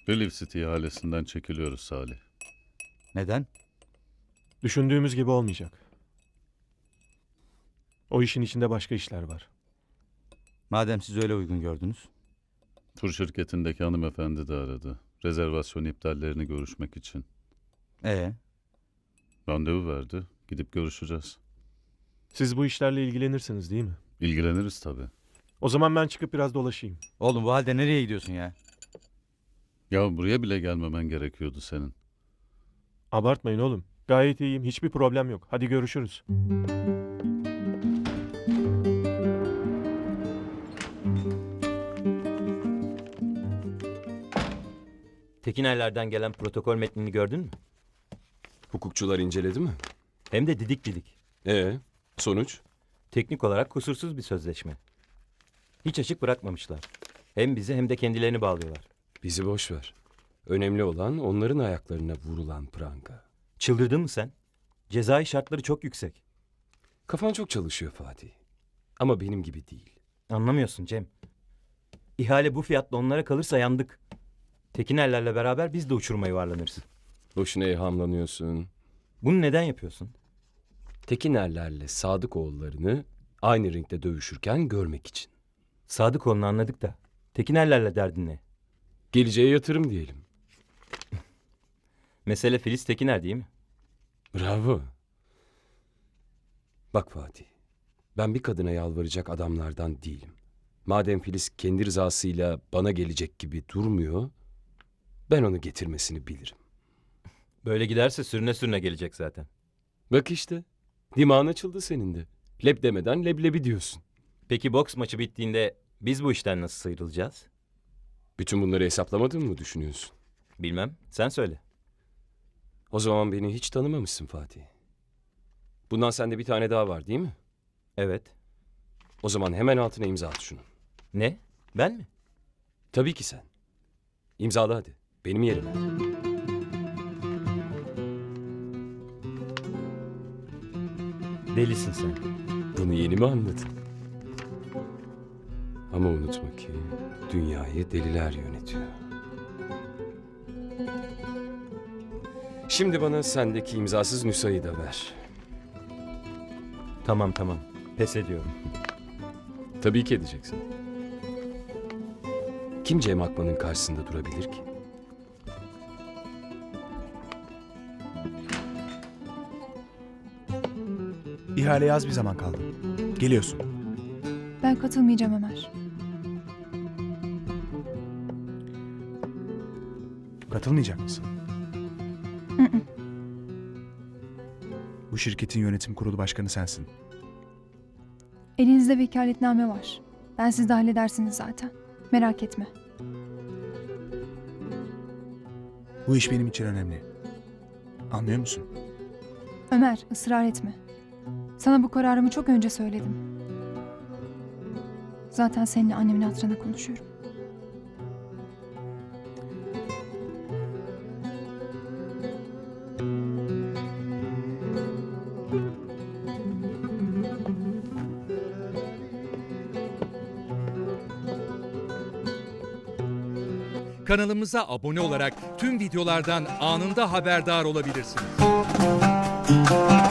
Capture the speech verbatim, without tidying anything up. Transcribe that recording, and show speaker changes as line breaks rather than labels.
Relief City ihalesinden çekiliyoruz Salih.
Neden?
Düşündüğümüz gibi olmayacak. O işin içinde başka işler var.
Madem siz öyle uygun gördünüz.
Tur şirketindeki hanımefendi de aradı. Rezervasyon iptallerini görüşmek için.
Ee,
Randevu verdi. Gidip görüşeceğiz.
Siz bu işlerle ilgilenirsiniz değil mi?
İlgileniriz tabii.
O zaman ben çıkıp biraz dolaşayım.
oğlum bu halde nereye gidiyorsun ya?
Ya buraya bile gelmemen gerekiyordu senin.
Abartmayın oğlum. Gayet iyiyim. Hiçbir problem yok. Hadi görüşürüz.
Tekinerlerden gelen protokol metnini gördün mü?
Hukukçular inceledi mi?
Hem de didik didik.
Ee, sonuç?
Teknik olarak kusursuz bir sözleşme. Hiç açık bırakmamışlar. Hem bizi hem de kendilerini bağlıyorlar.
Bizi boş ver. Önemli olan onların ayaklarına vurulan pranga.
Çıldırdın mı sen? Cezai şartları çok yüksek.
Kafan çok çalışıyor Fatih. Ama benim gibi değil.
Anlamıyorsun Cem. İhale bu fiyatla onlara kalırsa yandık. Tekinerlerle beraber biz de uçuruma yuvarlanırız.
Boşuna evhamlanıyorsun.
Bunu neden yapıyorsun?
Tekinerlerle Sadıkoğullarını aynı ringde dövüşürken görmek için.
Sadıkoğlu'nu anladık da. Tekinerlerle derdin ne?
Geleceğe yatırım diyelim.
Mesele Filiz Tekiner değil mi?
Bravo. Bak Fatih, ben bir kadına yalvaracak adamlardan değilim. Madem Filiz kendi rızasıyla bana gelecek gibi durmuyor, ben onu getirmesini bilirim.
Böyle giderse sürüne sürüne gelecek zaten.
Bak işte, dimağın açıldı senin de. Leb demeden leblebi diyorsun.
Peki boks maçı bittiğinde biz bu işten nasıl sıyrılacağız?
Bütün bunları hesaplamadın mı düşünüyorsun?
Bilmem. Sen söyle.
O zaman beni hiç tanımamışsın Fatih. Bundan sende bir tane daha var değil mi?
Evet.
O zaman hemen altına imza at şunu.
Ne? Ben mi?
Tabii ki sen. İmzala hadi. Benim yerime.
Delisin sen.
Bunu yeni mi anladın? Ama unutma ki dünyayı deliler yönetiyor. Şimdi bana sendeki imzasız nüshayı da ver.
Tamam tamam. Pes ediyorum.
Tabii ki edeceksin. Kim Cem Akman'ın karşısında durabilir ki?
İhaleye az bir zaman kaldı. Geliyorsun.
Ben katılmayacağım Ömer.
Katılmayacak mısın?
Hı hı.
Bu şirketin yönetim kurulu başkanı sensin.
Elinizde vekaletname var. Ben siz de halledersiniz zaten. Merak etme.
Bu iş benim için önemli. Anlıyor musun?
Ömer, ısrar etme. Sana bu kararımı çok önce söyledim. Zaten seninle annemin hatırına konuşuyorum.
Kanalımıza abone olarak tüm videolardan anında haberdar olabilirsiniz.